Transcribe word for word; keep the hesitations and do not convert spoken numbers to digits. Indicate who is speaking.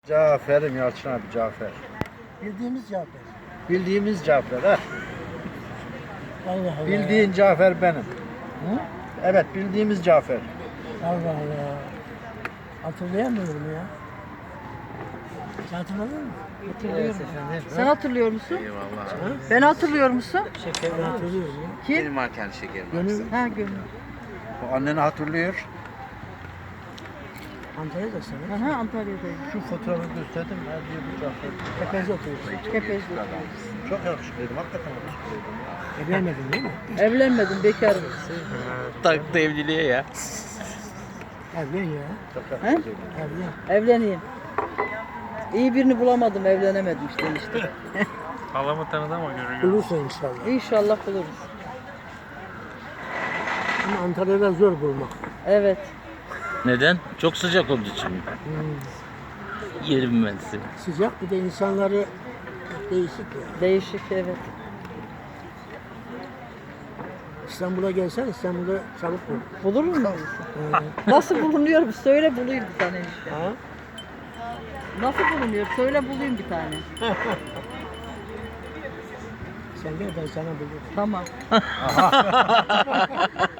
Speaker 1: Cafer'im Yalçın abi, Cafer.
Speaker 2: Bildiğimiz Cafer.
Speaker 1: Bildiğimiz Cafer ha.
Speaker 2: Allah Allah.
Speaker 1: Bildiğin Cafer benim.
Speaker 2: Hı?
Speaker 1: Evet, bildiğimiz Cafer.
Speaker 2: Allah Allah. Hatırlayamıyorum ya. Sen hatırladın mı?
Speaker 3: Hatırlıyorum.
Speaker 1: efendim.
Speaker 3: Sen hatırlıyor musun?
Speaker 4: Eyvallah.
Speaker 3: Ben hatırlıyor musun?
Speaker 2: Ben hatırlıyorum ya.
Speaker 3: Kim?
Speaker 4: Benim marken şekerim var.
Speaker 2: Gönül
Speaker 3: Ha Gönül.
Speaker 1: O anneni hatırlıyor.
Speaker 2: Antalya'da sana.
Speaker 3: Aha Antalya'dayım.
Speaker 1: Şu fotoğrafı gösterdim. Ne diyor bu Cafer?
Speaker 2: Tepezde oturuyorsun.
Speaker 3: Kepez'de.
Speaker 1: Çok yakışıklıydım, hakikaten yakışıklıydım.
Speaker 2: Evlenmedin değil mi?
Speaker 3: Evlenmedim, bekarım.
Speaker 4: Taktı evliliğe ya.
Speaker 2: Evlen ya.
Speaker 1: Çok yakışıklıydım.
Speaker 2: Evlen.
Speaker 3: Evleneyim. İyi birini bulamadım, evlenemedim işte işte.
Speaker 5: Halamı tanıdı ama görüyor.
Speaker 2: Bulursun inşallah.
Speaker 3: İnşallah buluruz.
Speaker 2: Ama Antalya'da zor bulmak.
Speaker 3: Evet.
Speaker 6: Neden? Çok sıcak olduğu için mi?
Speaker 2: Hmm.
Speaker 6: Yerim ben seni.
Speaker 2: Sıcak bir de insanları değişik ya.
Speaker 3: Değişik, evet.
Speaker 2: İstanbul'a gelsen İstanbul'da çabuk bul.
Speaker 3: Bulur mu?
Speaker 2: Ee,
Speaker 3: Nasıl bulunuyor bu? Söyle bulayım bir tane işte.
Speaker 2: ha?
Speaker 3: Nasıl bulunuyor? Söyle bulayım bir tane.
Speaker 2: Sen gel ben sana bulurum.
Speaker 3: Tamam.